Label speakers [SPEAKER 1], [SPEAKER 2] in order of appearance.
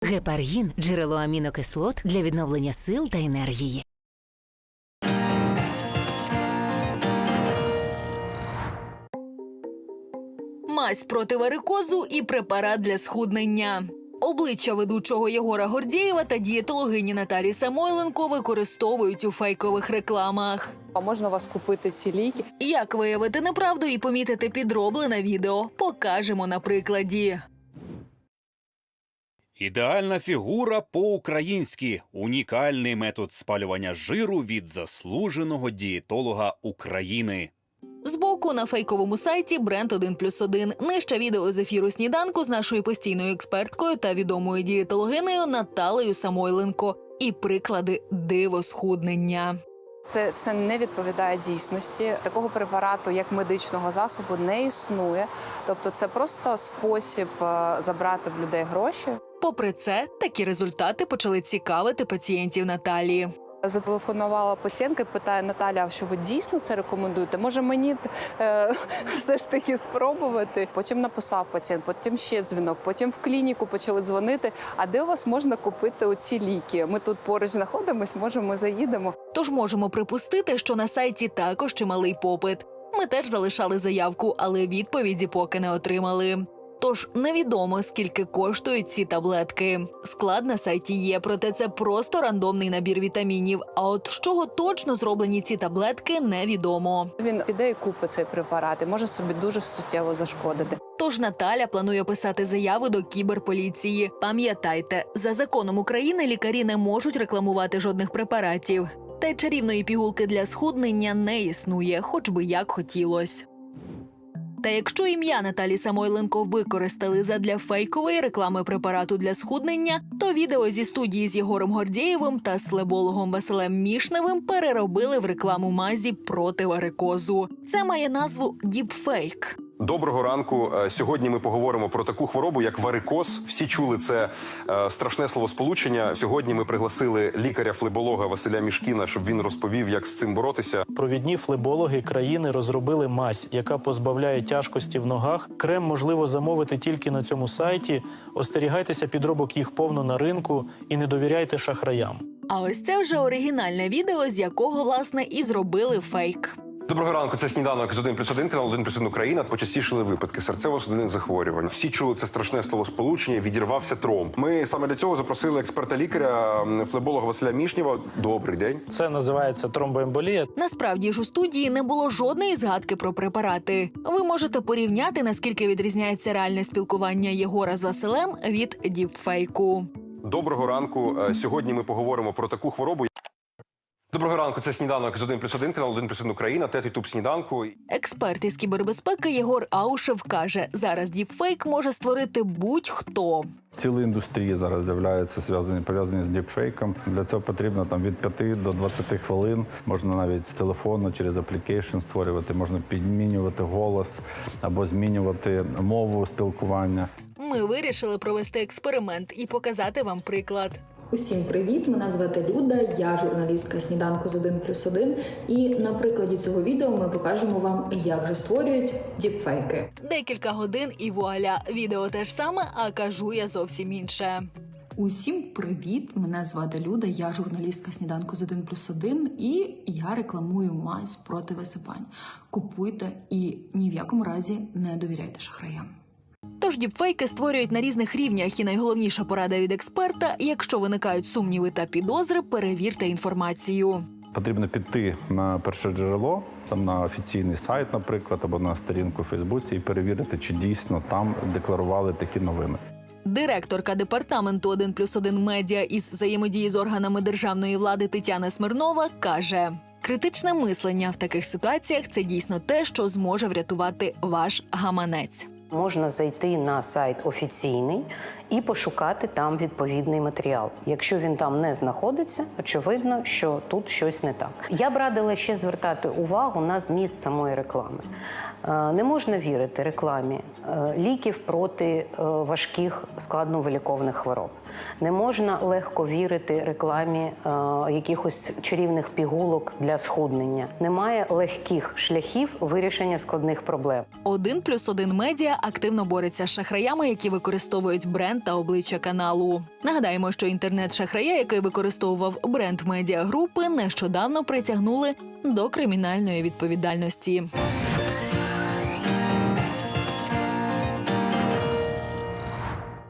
[SPEAKER 1] Гепаргін – джерело амінокислот для відновлення сил та енергії.
[SPEAKER 2] Мазь проти варикозу і препарат для схуднення. Обличчя ведучого Єгора Гордєєва та дієтологині Наталі Самойленко використовують у фейкових рекламах.
[SPEAKER 3] А можна у вас купити ці ліки?
[SPEAKER 2] Як виявити неправду і помітити підроблене відео, покажемо на прикладі.
[SPEAKER 4] Ідеальна фігура по-українськи. Унікальний метод спалювання жиру від заслуженого дієтолога України.
[SPEAKER 2] Збоку на фейковому сайті бренд 1+1. Нижче відео з ефіру «Сніданку» з нашою постійною експерткою та відомою дієтологинею Наталею Самойленко. І приклади дивосхуднення.
[SPEAKER 3] Це все не відповідає дійсності. Такого препарату, як медичного засобу, не існує. Тобто це просто спосіб забрати в людей гроші.
[SPEAKER 2] Попри це, такі результати почали цікавити пацієнтів Наталії.
[SPEAKER 3] Зателефонувала пацієнтка і питає: Наталя, а що ви дійсно це рекомендуєте? Може мені все ж таки спробувати? Потім написав пацієнт, потім ще дзвінок, потім в клініку почали дзвонити. А де у вас можна купити оці ліки? Ми тут поруч знаходимось, може ми заїдемо.
[SPEAKER 2] Тож можемо припустити, що на сайті також чималий попит. Ми теж залишали заявку, але відповіді поки не отримали. Тож невідомо, скільки коштують ці таблетки. Склад на сайті є, проте це просто рандомний набір вітамінів. А от з чого точно зроблені ці таблетки, невідомо.
[SPEAKER 3] Він піде і купить цей препарат і може собі дуже суттєво зашкодити.
[SPEAKER 2] Тож Наталя планує писати заяви до кіберполіції. Пам'ятайте, за законом України лікарі не можуть рекламувати жодних препаратів. Та й чарівної пігулки для схуднення не існує, хоч би як хотілось. Та якщо ім'я Наталі Самойленко використали задля фейкової реклами препарату для схуднення, то відео зі студії з Єгором Гордєєвим та слебологом Василем Мішневим переробили в рекламу мазі проти варикозу. Це має назву «Діпфейк».
[SPEAKER 5] Доброго ранку. Сьогодні ми поговоримо про таку хворобу, як варикоз. Всі чули це страшне словосполучення. Сьогодні ми пригласили лікаря-флеболога Василя Мішкіна, щоб він розповів, як з цим боротися.
[SPEAKER 6] Провідні флебологи країни розробили мазь, яка позбавляє тяжкості в ногах. Крем можливо замовити тільки на цьому сайті. Остерігайтеся підробок, їх повно на ринку, і не довіряйте шахраям.
[SPEAKER 2] А ось це вже оригінальне відео, з якого, власне, і зробили фейк.
[SPEAKER 5] Доброго ранку, це «Сніданок» з 1+1, канал 1+1 Україна. Почастішили випадки серцево-судинних захворювань. Всі чули це страшне словосполучення, відірвався тромб. Ми саме для цього запросили експерта-лікаря, флеболога Василя Мішнєва. Добрий день.
[SPEAKER 6] Це називається тромбоемболія.
[SPEAKER 2] Насправді ж у студії не було жодної згадки про препарати. Ви можете порівняти, наскільки відрізняється реальне спілкування Єгора з Василем від діпфейку.
[SPEAKER 5] Доброго ранку. Сьогодні ми поговоримо про таку хворобу. Доброго ранку, це «Сніданок» з 1+1, канал 1+1 Україна, ТЕТ «Сніданку».
[SPEAKER 2] Експерт із кібербезпеки Єгор Аушев каже, зараз діпфейк може створити будь-хто.
[SPEAKER 7] Цілі індустрії зараз з'являються пов'язані з діпфейком. Для цього потрібно від 5 до 20 хвилин. Можна навіть з телефону через аплікейшн створювати, можна підмінювати голос або змінювати мову спілкування.
[SPEAKER 2] Ми вирішили провести експеримент і показати вам приклад.
[SPEAKER 8] Усім привіт! Мене звати Люда, я журналістка «Сніданку» з 1+1. І на прикладі цього відео ми покажемо вам, як же створюють діпфейки.
[SPEAKER 2] Декілька годин і вуаля. Відео те ж саме, а кажу я зовсім інше.
[SPEAKER 8] Усім привіт! Мене звати Люда, я журналістка «Сніданку» з 1+1. І я рекламую мазь проти висипань. Купуйте і ні в якому разі не довіряйте шахраям.
[SPEAKER 2] Тож діпфейки створюють на різних рівнях, і найголовніша порада від експерта – якщо виникають сумніви та підозри, перевірте інформацію.
[SPEAKER 7] Потрібно піти на перше джерело, на офіційний сайт, наприклад, або на сторінку у Фейсбуці і перевірити, чи дійсно там декларували такі новини.
[SPEAKER 2] Директорка департаменту 1+1 медіа із взаємодії з органами державної влади Тетяна Смирнова каже, критичне мислення в таких ситуаціях – це дійсно те, що зможе врятувати ваш гаманець.
[SPEAKER 9] Можна зайти на сайт офіційний і пошукати там відповідний матеріал. Якщо він там не знаходиться, очевидно, що тут щось не так. Я б радила ще звертати увагу на зміст самої реклами. Не можна вірити рекламі ліків проти важких складновиліковних хвороб. Не можна легко вірити рекламі якихось чарівних пігулок для схуднення. Немає легких шляхів вирішення складних проблем.
[SPEAKER 2] 1+1 медіа активно бореться з шахраями, які використовують бренд та обличчя каналу. Нагадаємо, що інтернет-шахрая, який використовував бренд медіагрупи, нещодавно притягнули до кримінальної відповідальності.